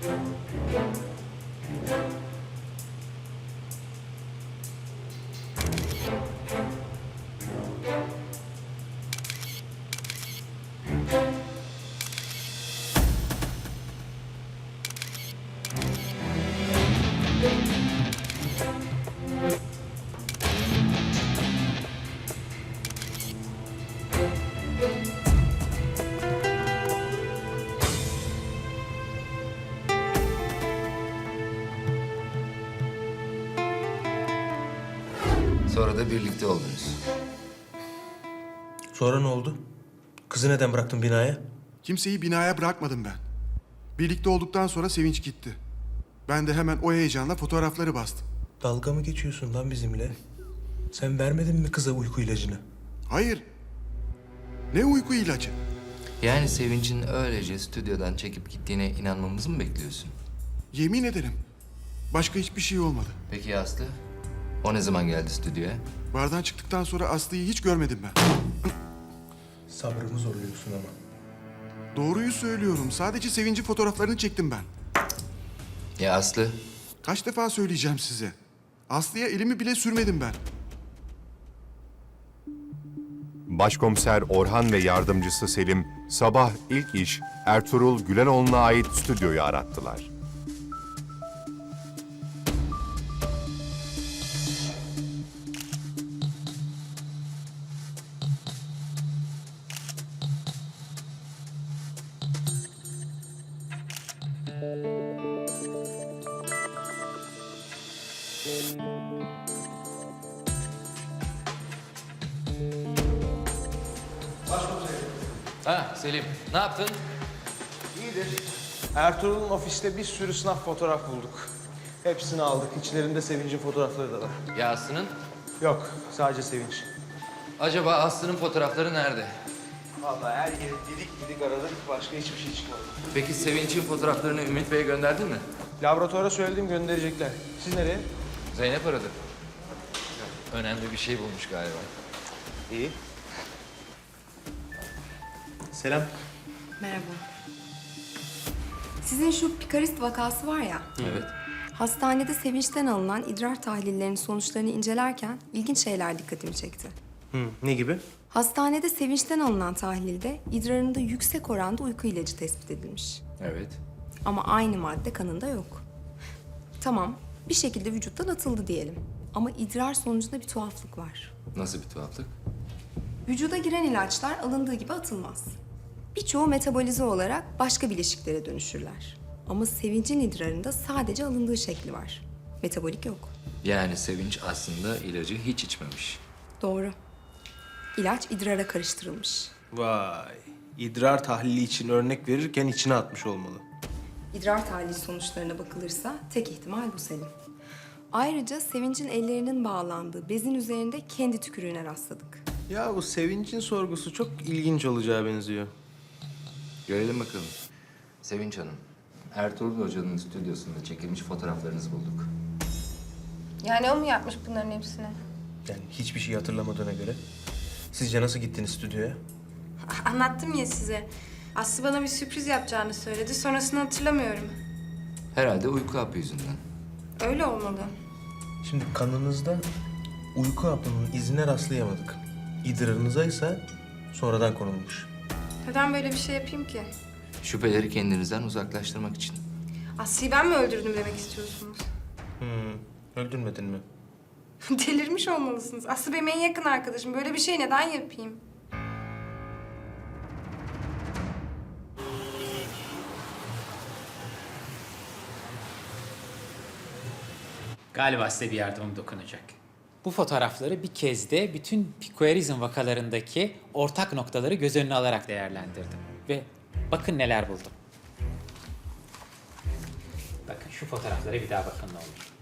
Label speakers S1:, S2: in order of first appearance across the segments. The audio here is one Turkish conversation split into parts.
S1: Sonra da birlikte oldunuz.
S2: Sonra ne oldu? Kızı neden bıraktın binaya?
S3: Kimseyi binaya bırakmadım ben. Birlikte olduktan sonra Sevinç gitti. Ben de hemen o heyecanla fotoğrafları bastım.
S2: Dalga mı geçiyorsun lan bizimle? Sen vermedin mi kıza uyku ilacını?
S3: Hayır. Ne uyku ilacı?
S1: Yani Sevinç'in öylece stüdyodan çekip gittiğine inanmamızı mı bekliyorsun?
S3: Yemin ederim. Başka hiçbir şey olmadı.
S1: Peki ya Aslı? O ne zaman geldi stüdyoya?
S3: Bardan çıktıktan sonra Aslı'yı hiç görmedim ben.
S2: Sabrımı zorluyorsun ama.
S3: Doğruyu söylüyorum. Sadece Sevinç'in fotoğraflarını çektim ben.
S1: Ya Aslı?
S3: Kaç defa söyleyeceğim size. Aslı'ya elimi bile sürmedim ben.
S4: Başkomiser Orhan ve yardımcısı Selim sabah ilk iş Ertuğrul Gülenoğlu'na ait stüdyoyu arattılar.
S1: Ha Selim, ne yaptın?
S5: İyidir. Ertuğrul'un ofiste bir sürü sınav fotoğraf bulduk. Hepsini aldık. İçlerinde Sevinç'in fotoğrafları da var.
S1: Ya Aslı'nın?
S5: Yok, sadece Sevinç.
S1: Acaba Aslı'nın fotoğrafları nerede?
S5: Vallahi her yeri didik didik aradık. Başka hiçbir şey çıkmadı.
S1: Peki Sevinç'in fotoğraflarını Ümit Bey'e gönderdin mi?
S5: Laboratuvara söyledim, gönderecekler. Siz nereye?
S1: Zeynep aradı. Önemli bir şey bulmuş galiba.
S5: İyi. Selam.
S6: Merhaba. Sizin şu pikarist vakası var ya,
S1: Evet.
S6: hastanede Sevinç'ten alınan idrar tahlillerinin sonuçlarını incelerken ilginç şeyler dikkatimi çekti.
S2: Ne gibi?
S6: Hastanede Sevinç'ten alınan tahlilde idrarında yüksek oranda uyku ilacı tespit edilmiş.
S1: Evet.
S6: Ama aynı madde kanında yok. Tamam, bir şekilde vücuttan atıldı diyelim. Ama idrar sonucunda bir tuhaflık var.
S1: Nasıl bir tuhaflık?
S6: Vücuda giren ilaçlar alındığı gibi atılmaz. Birçoğu metabolize olarak başka bileşiklere dönüşürler. Ama Sevinç'in idrarında sadece alındığı şekli var. Metabolik yok.
S1: Yani Sevinç aslında ilacı hiç içmemiş.
S6: Doğru. İlaç idrara karıştırılmış.
S5: Vay. İdrar tahlili için örnek verirken içine atmış olmalı.
S6: İdrar tahlili sonuçlarına bakılırsa tek ihtimal bu Selim. Ayrıca Sevinç'in ellerinin bağlandığı bezin üzerinde kendi tükürüğüne rastladık.
S5: Ya bu Sevinç'in sorgusu çok ilginç olacağı benziyor.
S1: Görelim bakalım. Sevinç Hanım, Ertuğrul Hoca'nın stüdyosunda çekilmiş fotoğraflarınızı bulduk.
S7: Yani o mu yapmış bunların hepsini?
S2: Yani hiçbir şey hatırlamadığına göre. Sizce nasıl gittiniz stüdyoya?
S7: Anlattım ya size. Aslı bana bir sürpriz yapacağını söyledi. Sonrasını hatırlamıyorum.
S1: Herhalde uyku hapı yüzünden.
S7: Öyle olmalı.
S2: Şimdi kanınızda uyku hapının izine rastlayamadık. İdrarınıza ise sonradan konulmuş.
S7: Neden böyle bir şey yapayım ki?
S1: Şüpheleri kendinizden uzaklaştırmak için.
S7: Aslı'yı ben mi öldürdüm demek istiyorsunuz?
S2: Öldürmedin mi?
S7: Delirmiş olmalısınız. Aslı benim en yakın arkadaşım. Böyle bir şey neden yapayım?
S8: Galiba size bir yardımım dokunacak. Bu fotoğrafları bir kez de bütün pikoerizm vakalarındaki ortak noktaları göz önüne alarak değerlendirdim. Ve bakın neler buldum. Bakın şu fotoğraflara bir daha bakın ne olur.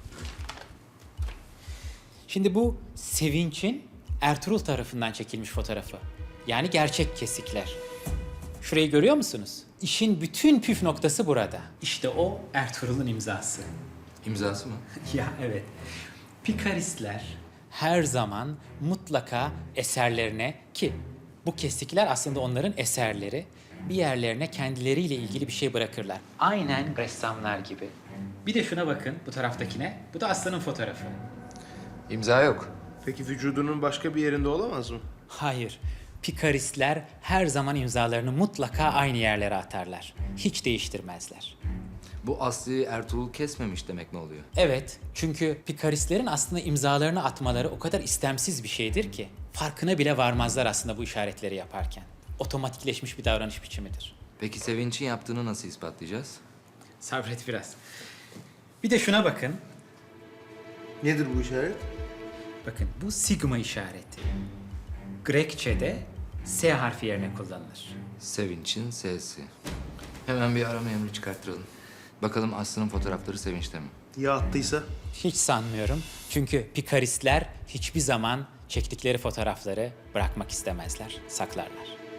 S8: Şimdi bu Sevinç'in Ertuğrul tarafından çekilmiş fotoğrafı. Yani gerçek kesikler. Şurayı görüyor musunuz? İşin bütün püf noktası burada. İşte o Ertuğrul'un imzası.
S1: İmzası mı?
S8: Ya evet. Pikaristler her zaman mutlaka eserlerine, ki bu kesikler aslında onların eserleri, bir yerlerine kendileriyle ilgili bir şey bırakırlar. Aynen ressamlar gibi. Bir de şuna bakın, bu taraftakine. Bu da Aslı'nın fotoğrafı.
S1: İmza yok.
S5: Peki vücudunun başka bir yerinde olamaz mı?
S8: Hayır. Pikaristler her zaman imzalarını mutlaka aynı yerlere atarlar. Hiç değiştirmezler.
S1: Bu Aslı'yı Ertuğrul kesmemiş demek ne oluyor?
S8: Evet, çünkü pikaristlerin aslında imzalarını atmaları o kadar istemsiz bir şeydir ki farkına bile varmazlar aslında bu işaretleri yaparken. Otomatikleşmiş bir davranış biçimidir.
S1: Peki Sevinç'in yaptığını nasıl ispatlayacağız?
S8: Sabret biraz. Bir de şuna bakın.
S5: Nedir bu işaret?
S8: Bakın bu sigma işareti. Grekçe'de S harfi yerine kullanılır.
S1: Sevinç'in S'si. Hemen bir arama emri çıkarttıralım. Bakalım Aslı'nın fotoğrafları Sevinç'te mi?
S5: Ya attıysa?
S8: Hiç sanmıyorum. Çünkü pikaristler hiçbir zaman çektikleri fotoğrafları bırakmak istemezler, saklarlar.